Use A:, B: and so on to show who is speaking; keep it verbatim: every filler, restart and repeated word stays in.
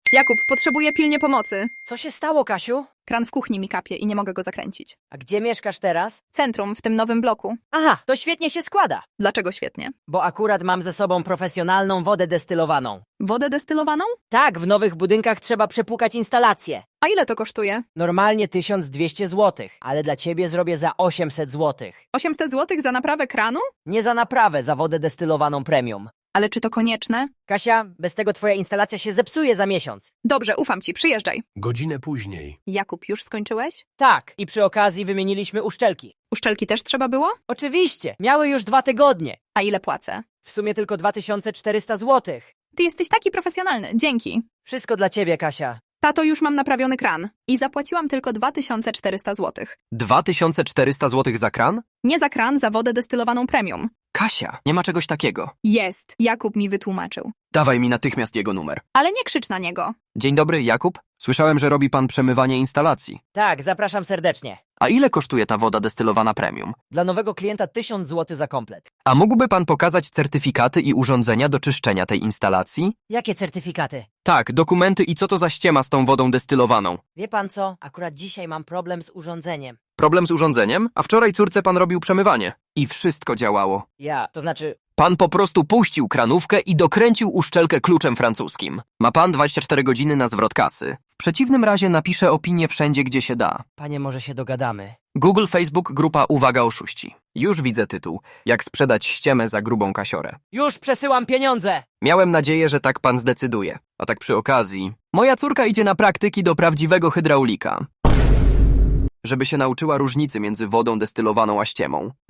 A: Jakub, potrzebuję pilnie pomocy.
B: Co się stało, Kasiu?
A: Kran w kuchni mi kapie i nie mogę go zakręcić.
B: A gdzie mieszkasz teraz?
A: Centrum, w tym nowym bloku.
B: Aha, to świetnie się składa.
A: Dlaczego świetnie?
B: Bo akurat mam ze sobą profesjonalną wodę destylowaną.
A: Wodę destylowaną?
B: Tak, w nowych budynkach trzeba przepłukać instalację.
A: A ile to kosztuje?
B: Normalnie tysiąc dwieście złotych, ale dla ciebie zrobię za osiemset złotych.
A: osiemset złotych za naprawę kranu?
B: Nie za naprawę, za wodę destylowaną premium.
A: Ale czy to konieczne?
B: Kasia, bez tego twoja instalacja się zepsuje za miesiąc.
A: Dobrze, ufam ci, przyjeżdżaj.
C: Godzinę później.
A: Jakub, już skończyłeś?
B: Tak, i przy okazji wymieniliśmy uszczelki.
A: Uszczelki też trzeba było?
B: Oczywiście, miały już dwa tygodnie.
A: A ile płacę?
B: W sumie tylko dwa tysiące czterysta złotych.
A: Ty jesteś taki profesjonalny, dzięki.
B: Wszystko dla ciebie, Kasia.
A: Tato, już mam naprawiony kran. I zapłaciłam tylko dwa tysiące czterysta złotych.
D: dwa tysiące czterysta złotych za kran?
A: Nie za kran, za wodę destylowaną premium.
D: Kasia, nie ma czegoś takiego.
A: Jest. Jakub mi wytłumaczył.
D: Dawaj mi natychmiast jego numer.
A: Ale nie krzycz na niego.
D: Dzień dobry, Jakub. Słyszałem, że robi pan przemywanie instalacji.
B: Tak, zapraszam serdecznie.
D: A ile kosztuje ta woda destylowana premium?
B: Dla nowego klienta tysiąc złotych za komplet.
D: A mógłby pan pokazać certyfikaty i urządzenia do czyszczenia tej instalacji?
B: Jakie certyfikaty?
D: Tak, dokumenty i co to za ściema z tą wodą destylowaną.
B: Wie pan co? Akurat dzisiaj mam problem z urządzeniem.
D: Problem z urządzeniem? A wczoraj córce pan robił przemywanie. I wszystko działało.
B: Ja, to znaczy...
D: Pan po prostu puścił kranówkę i dokręcił uszczelkę kluczem francuskim. Ma pan dwadzieścia cztery godziny na zwrot kasy. W przeciwnym razie napiszę opinię wszędzie, gdzie się da.
B: Panie, może się dogadamy.
D: Google, Facebook, grupa Uwaga oszuści. Już widzę tytuł. Jak sprzedać ściemę za grubą kasiorę.
B: Już przesyłam pieniądze!
D: Miałem nadzieję, że tak pan zdecyduje. A tak przy okazji... Moja córka idzie na praktyki do prawdziwego hydraulika. Żeby się nauczyła różnicy między wodą destylowaną a ściemą.